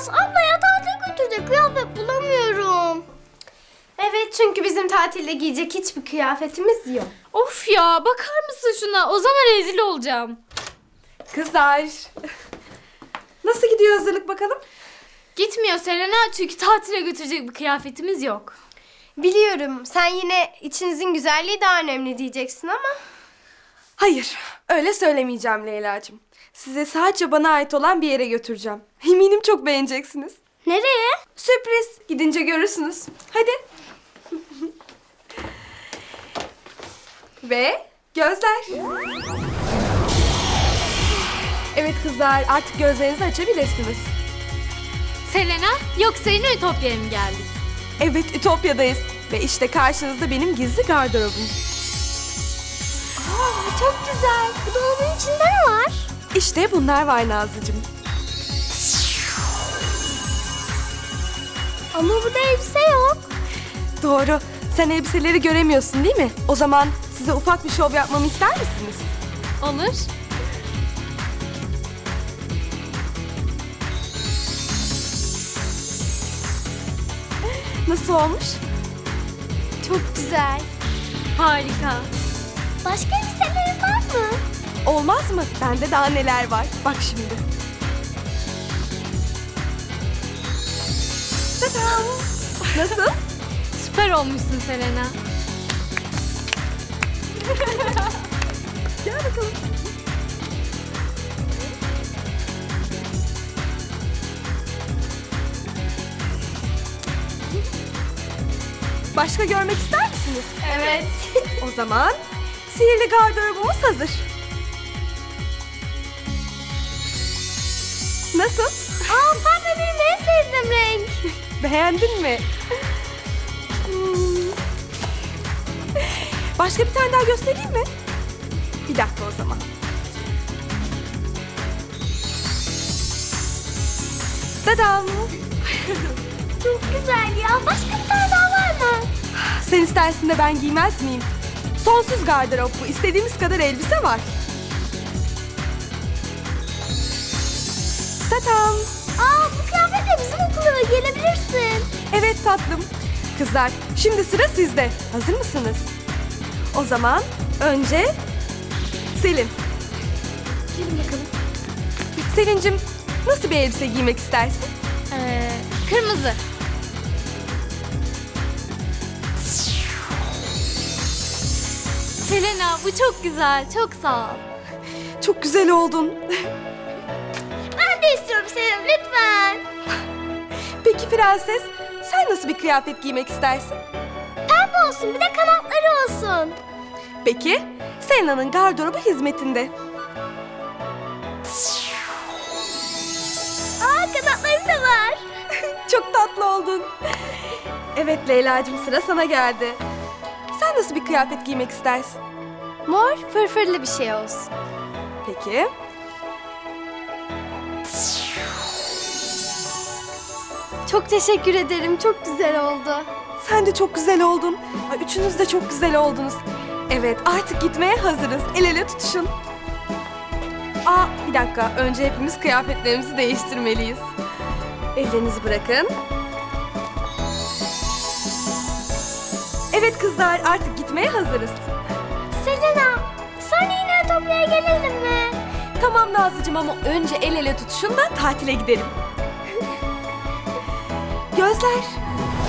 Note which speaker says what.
Speaker 1: Olamaz. Ablaya tatile götürecek kıyafet bulamıyorum.
Speaker 2: Evet, çünkü bizim tatilde giyecek hiçbir kıyafetimiz yok.
Speaker 3: Of ya, bakar mısın şuna? O zaman rezil olacağım.
Speaker 4: Kızlar. Nasıl gidiyor hazırlık bakalım?
Speaker 3: Gitmiyor Selena, çünkü tatile götürecek bir kıyafetimiz yok.
Speaker 2: Biliyorum, sen yine içinizin güzelliği daha önemli diyeceksin ama...
Speaker 4: Hayır, öyle söylemeyeceğim Leyla'cığım. Size sadece bana ait olan bir yere götüreceğim. Eminim çok beğeneceksiniz.
Speaker 1: Nereye?
Speaker 4: Sürpriz. Gidince görürsünüz. Hadi. Ve gözler. Evet kızlar, artık gözlerinizi açabilirsiniz.
Speaker 3: Selena, yoksa yine Ütopya'ya mı geldik?
Speaker 4: Evet, Ütopya'dayız. Ve işte karşınızda benim gizli gardırobum.
Speaker 1: Çok güzel. Bu dolabın içinde ne var?
Speaker 4: İşte bunlar var Nazlıcığım.
Speaker 1: Ama burada elbise yok.
Speaker 4: Doğru. Sen elbiseleri göremiyorsun değil mi? O zaman size ufak bir şov yapmamı ister misiniz?
Speaker 3: Olur.
Speaker 4: Nasıl olmuş?
Speaker 2: Çok güzel.
Speaker 3: Harika.
Speaker 1: Başka elbiselerin var mı?
Speaker 4: Olmaz mı? Bende daha neler var. Bak şimdi. Tadam! Nasıl?
Speaker 3: Süper olmuşsun Selena.
Speaker 4: Gel bakalım. Başka görmek ister misiniz?
Speaker 2: Evet.
Speaker 4: O zaman sihirli gardırobumuz hazır. Nasıl?
Speaker 1: Aa, pembe benim en sevdiğim renk.
Speaker 4: Beğendin mi? Başka bir tane daha göstereyim mi? Bir dakika o zaman. Tadam!
Speaker 1: Çok güzel ya. Başka bir tane daha var mı?
Speaker 4: Sen istersin de ben giymez miyim? Sonsuz gardırop bu. İstediğimiz kadar elbise var. Tadam!
Speaker 1: Aa, bu kıyafetle bizim okula gelebilirsin.
Speaker 4: Evet tatlım. Kızlar, şimdi sıra sizde. Hazır mısınız? O zaman önce Selin. Gelin bakalım. Selin'cim, nasıl bir elbise giymek istersin?
Speaker 3: Kırmızı. Selena, bu çok güzel. Çok sağ ol.
Speaker 4: Çok güzel oldun.
Speaker 1: Ben de istiyorum Selim, lütfen.
Speaker 4: Peki prenses, sen nasıl bir kıyafet giymek istersin?
Speaker 1: Pembe olsun, bir de kanatları olsun.
Speaker 4: Peki, Selena'nın gardırobu hizmetinde.
Speaker 1: Aa, kanatları da var.
Speaker 4: Çok tatlı oldun. Evet Leyla'cığım, sıra sana geldi. Sen nasıl bir kıyafet giymek istersin?
Speaker 2: Mor, fırfırlı bir şey olsun.
Speaker 4: Peki.
Speaker 2: Çok teşekkür ederim. Çok güzel oldu.
Speaker 4: Sen de çok güzel oldun. Ay, üçünüz de çok güzel oldunuz. Evet, artık gitmeye hazırız. El ele tutuşun. Aa, bir dakika. Önce hepimiz kıyafetlerimizi değiştirmeliyiz. Ellerinizi bırakın. Evet kızlar, artık gitmeye hazırız.
Speaker 1: Selena, sonra yine Ütopya'ya gelelim mi?
Speaker 4: Tamam Nazlıcığım ama önce el ele tutuşun da tatile gidelim. Gözler.